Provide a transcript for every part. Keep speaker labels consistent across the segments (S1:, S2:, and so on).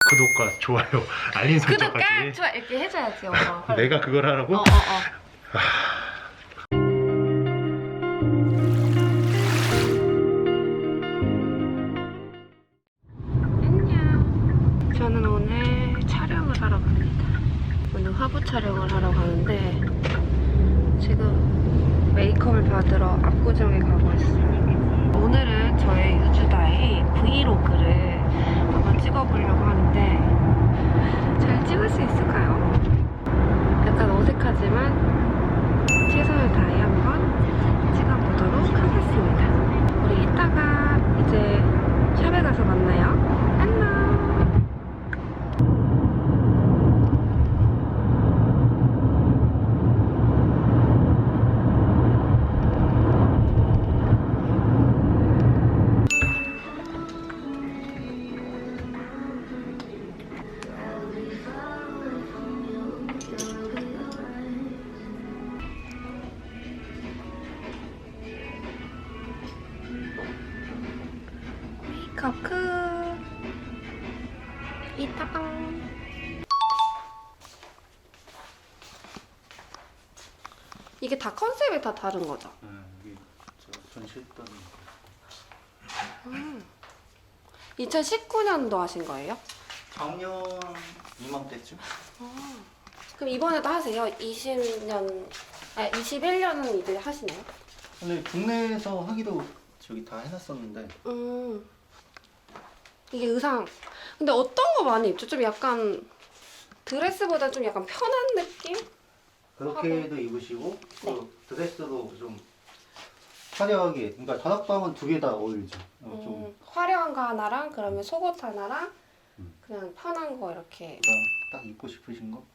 S1: 구독과 좋아요, 알림 설정까지.
S2: 구독과 좋아 이렇게 해줘야지 엄마.
S1: 내가 그걸 하라고?
S2: 안녕. 저는 오늘 촬영을 하러 갑니다. 오늘 화보 촬영을 하러 가는데 지금 메이크업을 받으러 압구정에 가고 있어요. 오늘은 저의 유주다의 브이로그를 한번 찍어보려고 하는데 잘 찍을 수 있을까요? 약간 어색하지만 최선을 다해 한번 찍어보도록 하겠습니다. 우리 이따가 이제 샵에 가서 만나요. 안녕. 메이크업 끝. 이따가. 이게 다 컨셉이 다 다른 거죠?
S1: 여기 저 전시했던
S2: 2019년도 하신 거예요?
S1: 작년 이맘때쯤?
S2: 그럼 이번에도 하세요? 20년, 21년은 이제 하시나요?
S1: 근데 국내에서 하기도 저기 다 해놨었는데
S2: 이게 의상. 근데 어떤 거 많이 입죠? 좀 약간 드레스보다 좀 약간 편한 느낌?
S1: 그렇게도 입으시고
S2: 네.
S1: 또 드레스도 좀 화려하게, 그러니까 다락방은 두 개 다 어울리죠. 좀
S2: 화려한 거 하나랑 그러면 속옷 하나랑 그냥 편한 거 이렇게.
S1: 딱 입고 싶으신 거?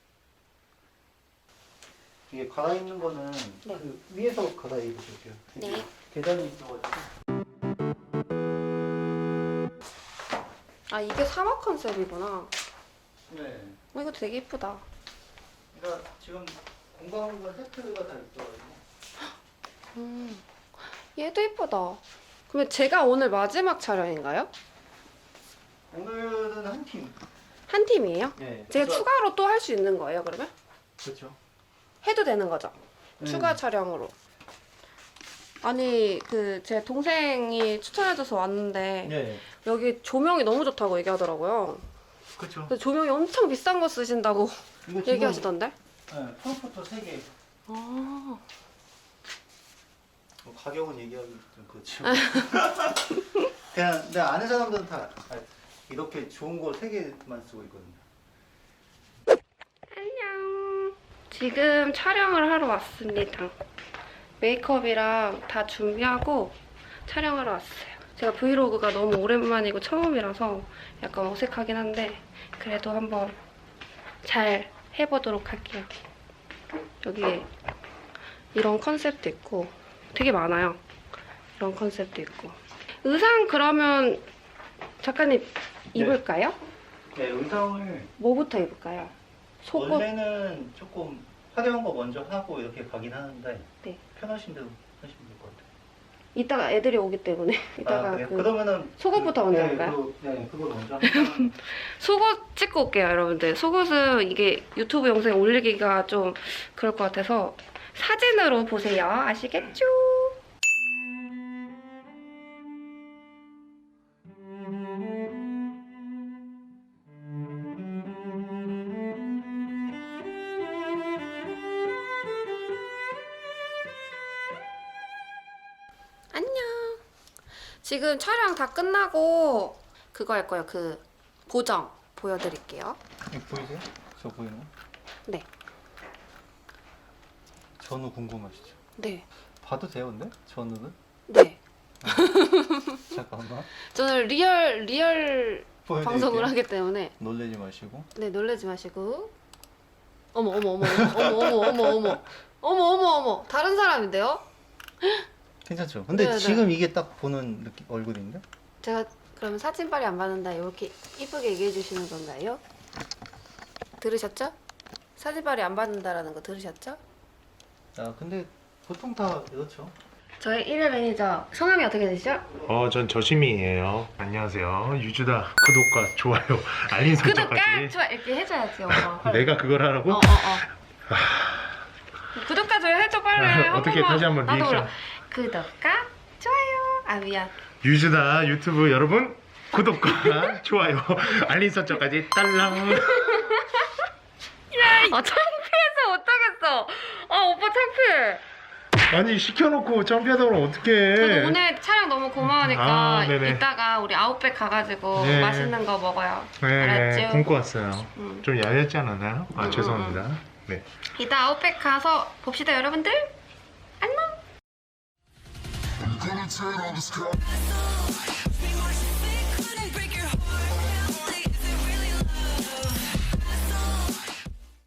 S1: 이게 갈아입는 거는
S2: 네.
S1: 그 위에서 갈아입으실게요.
S2: 네.
S1: 계단이 있어가지고.
S2: 아, 이게 사막 컨셉이구나.
S1: 네.
S2: 이거 되게 예쁘다.
S1: 그러니까 지금 공간과 세트가 다 있어가지고.
S2: 얘도 예쁘다. 그러면 제가 오늘 마지막 촬영인가요?
S1: 오늘은 한 팀.
S2: 한 팀이에요?
S1: 네.
S2: 제가 추가로 또 할 수 있는 거예요, 그러면?
S1: 그렇죠.
S2: 해도 되는 거죠?
S1: 네.
S2: 추가 촬영으로. 아니, 제 동생이 추천해줘서 왔는데
S1: 네.
S2: 여기 조명이 너무 좋다고 얘기하더라고요.
S1: 그렇죠.
S2: 그래서 조명이 엄청 비싼 거 쓰신다고
S1: 이거 지금
S2: 얘기하시던데?
S1: 네, 프로포터 3개.
S2: 아,
S1: 뭐 가격은 얘기하기 좀 그렇지만. 그냥 내 아는 사람들은 다 이렇게 좋은 거 3개만 쓰고 있거든요.
S2: 안녕. 지금 촬영을 하러 왔습니다. 메이크업이랑 다 준비하고 촬영하러 왔어요. 제가 브이로그가 너무 오랜만이고 처음이라서 약간 어색하긴 한데 그래도 한번 잘 해보도록 할게요. 여기 이런 컨셉도 있고 되게 많아요. 이런 컨셉도 있고. 의상 그러면 작가님 입을까요?
S1: 네, 의상을
S2: 뭐부터 입을까요? 속옷?
S1: 원래는 조금 화려한 거 먼저 하고 이렇게 가긴 하는데
S2: 네.
S1: 편하신 대로 하시면 될 것 같아요.
S2: 이따가 애들이 오기 때문에 이따가
S1: 그래요? 그러면은
S2: 속옷부터 먼저
S1: 네,
S2: 할까요?
S1: 그거 먼저 하면
S2: 속옷 찍고 올게요, 여러분들. 속옷은 이게 유튜브 영상에 올리기가 좀 그럴 것 같아서 사진으로 보세요. 아시겠죠? 안녕. 지금 촬영 다 끝나고 그거 할 거예요. 보정 보여드릴게요.
S1: 이거 보이세요? 저 보이는 거?
S2: 네.
S1: 전후 궁금하시죠?
S2: 네.
S1: 봐도 돼요, 근데? 전후는?
S2: 네.
S1: 잠깐만.
S2: 저는 리얼
S1: 보여드릴게요.
S2: 방송을 하기 때문에
S1: 놀라지 마시고.
S2: 네, 놀라지 마시고. 어머 다른 사람인데요?
S1: 괜찮죠? 근데
S2: 네네.
S1: 지금 이게 딱 보는 느낌, 얼굴인데?
S2: 제가 그러면 사진빨이 안 받는다 이렇게 이쁘게 얘기해 주시는 건가요? 들으셨죠? 사진빨이 안 받는다라는 거 들으셨죠?
S1: 아, 근데 보통 다 그렇죠.
S2: 저희 1일 매니저 성함이 어떻게 되시죠?
S3: 전 저심이에요. 안녕하세요. 유주다. 구독과 좋아요, 알림 설정까지.
S2: 구독과 좋아요 이렇게 해줘야지 엄마. 빨리.
S3: 내가 그걸 하라고?
S2: 구독과 좋아요 해줘 빨리.
S3: 어떻게
S2: 번만.
S3: 다시 한번
S2: 나도
S3: 리액션.
S2: 몰라. 구독과 좋아요. 아 미안.
S3: 유주다 유튜브 여러분 구독과 좋아요, 알림 설정까지 딸랑.
S2: 아 창피해서 못하겠어. 아 오빠 창피해.
S3: 아니 시켜놓고 점피하다 보면 어떡해.
S2: 그래도 오늘 촬영 너무 고마우니까
S3: 아, 네네.
S2: 이따가 우리 아웃백 가가지고
S3: 네.
S2: 맛있는 거 먹어요.
S3: 네,
S2: 알았죠?
S3: 굶고 왔어요.
S2: 응.
S3: 좀 야였지 않았나요? 아 죄송합니다. 네.
S2: 이따 아웃백 가서 봅시다 여러분들. 안녕.
S4: I'm gonna turn on the sky.